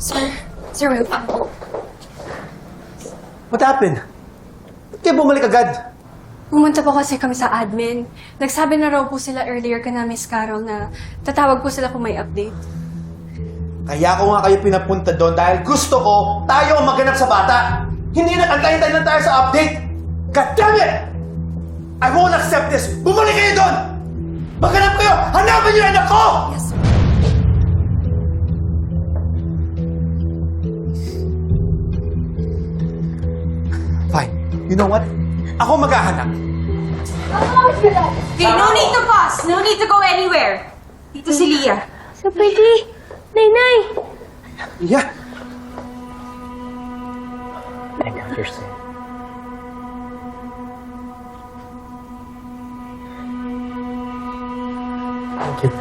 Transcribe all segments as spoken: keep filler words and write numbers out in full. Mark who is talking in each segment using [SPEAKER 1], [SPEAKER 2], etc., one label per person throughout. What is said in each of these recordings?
[SPEAKER 1] Sir, Sir Will.
[SPEAKER 2] What happened? Ba't kayo bumalik agad?
[SPEAKER 1] Pumunta po kasi kami sa admin. Nagsabi na raw po sila earlier ka na Miss Carol na tatawag po sila kung may update.
[SPEAKER 2] Kaya ko nga kayo pinapunta doon dahil gusto ko tayo ang maganap sa bata. Hindi na antay-antay na tayo sa update. God damn it! I won't accept this! Bumalik kayo doon! Maganap kayo! Hanapan niyo yung anak ko!
[SPEAKER 1] Yes, sir.
[SPEAKER 2] Fine. You know what? Ako maghahanap.
[SPEAKER 3] Okay, no need to pause. No need to go anywhere. Dito si Leah.
[SPEAKER 4] So pretty. Nay-nay.
[SPEAKER 2] Yeah.
[SPEAKER 5] I understand. Thank you.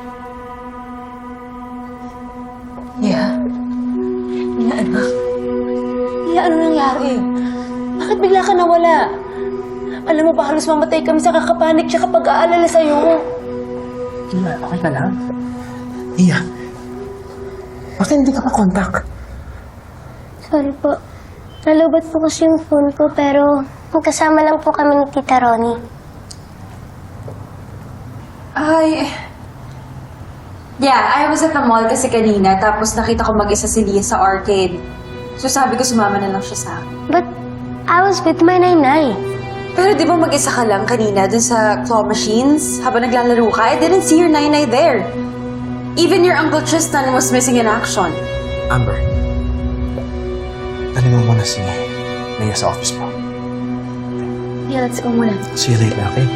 [SPEAKER 3] Yeah. Leah, anak. Leah, ano nangyari? Bakit bigla ka nawala? Alam mo ba, halos mamatay kami sa kakapanik siya kapag aalala sa'yo.
[SPEAKER 5] Leah, okay ka lang? Leah, bakit hindi ka pa-contact?
[SPEAKER 4] Sorry po. Nalubat po kasi yung phone ko pero magkasama lang po kami ni Tita Ronnie.
[SPEAKER 3] Ay... Yeah, I was at the mall kasi kanina tapos nakita ko mag-isa si Leah sa arcade. So sabi ko sumama na lang siya sa akin.
[SPEAKER 4] But I was with my nanay.
[SPEAKER 3] Pero di ba mag-isa ka lang kanina dun sa claw machines habang naglalaro ka? I didn't see your nanay there. Even your Uncle Tristan was missing in action.
[SPEAKER 5] Amber, dali mo muna si Leah sa office mo.
[SPEAKER 4] Yeah, let's go muna.
[SPEAKER 5] See you later, okay?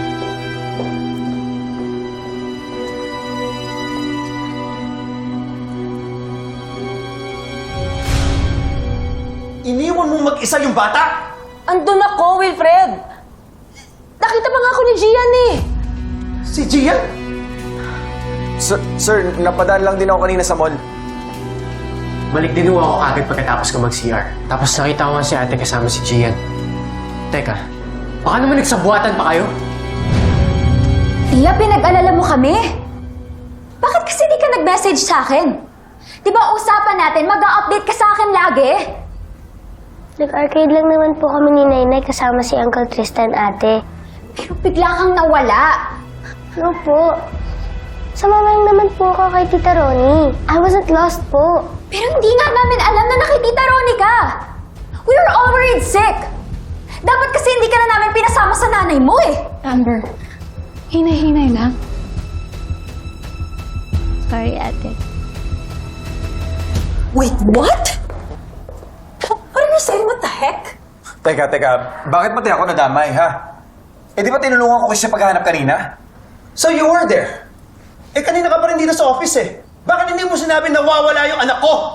[SPEAKER 2] Iniwan mo mag-isa yung bata?
[SPEAKER 3] Andun ako, Wilfred! Nakita pa nga ako ni Gian eh!
[SPEAKER 2] Si Gian?
[SPEAKER 6] Sir, sir, napadaan lang din ako kanina sa mall.
[SPEAKER 5] Balik din ako agad pagkatapos ko mag-C R. Tapos nakita ko nga si ate kasama si Gian. Teka, baka naman nagsabuatan pa kayo?
[SPEAKER 7] Iya, pinag-alala mo kami? Bakit kasi di ka nag-message sa akin? Di ba usapan natin, mag-a-update ka sa akin lagi?
[SPEAKER 4] Nag-arcade lang naman po kami ni Nainay kasama si Uncle Tristan, ate.
[SPEAKER 7] Pero bigla kang nawala.
[SPEAKER 4] No po. Sumama lang naman po ako kay Tita Ronnie. I wasn't lost po.
[SPEAKER 7] Pero hindi nga namin alam na nakitita Ronnie ka. We were all worried sick. Dapat kasi hindi ka na namin pinasama sa nanay mo eh.
[SPEAKER 1] Amber, hinay-hinay lang.
[SPEAKER 4] Sorry, ate.
[SPEAKER 3] Wait, what? What are you saying? What the heck?
[SPEAKER 6] Teka, teka, bakit pati ako nadamay, ha? Eh di ba tinulungan ko kasi siya paghahanap kanina?
[SPEAKER 2] So you were there? Eh kanina ka pa rin dito sa office eh. Bakit hindi mo sinabi na nawawala yung anak ko?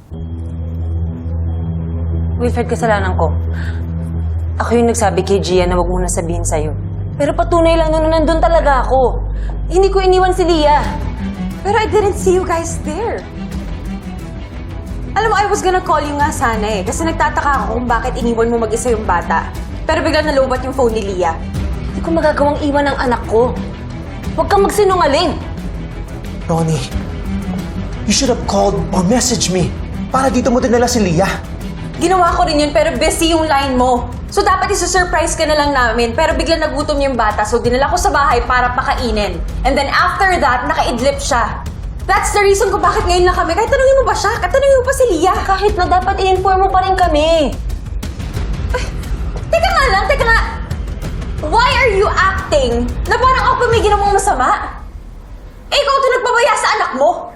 [SPEAKER 3] Wilfred, kasalanan ko. Ako yung nagsabi kay Gian na wag mo na sabihin sa'yo. Pero patunay lang nun na nandun talaga ako. Hindi ko iniwan si Leah. Pero I didn't see you guys there. Alam mo, I was gonna call you nga sana eh. Kasi nagtataka ako kung bakit iniwan mo mag-isa yung bata. Pero biglang nalubat yung phone ni Leah. Hindi ko magagawang iwan ang anak ko. Huwag kang magsinungaling.
[SPEAKER 2] Ronnie, you should have called or messaged me para dito mo dinala si Leah.
[SPEAKER 3] Ginawa ko rin yun pero busy yung line mo. So dapat isa-surprise ka na lang namin pero biglang nagutom yung bata so dinala ko sa bahay para pakainin. And then after that, nakaidlip siya. That's the reason kung bakit ngayon lang kami. Kahit tanungin mo ba siya? Kahit tanungin mo pa si Leah. Kahit na dapat i-inform mo pa rin kami. Ay, teka nga lang, teka nga. Why are you acting na parang ako may ginawang masama? Eh, ikaw ito nagpabaya sa anak mo.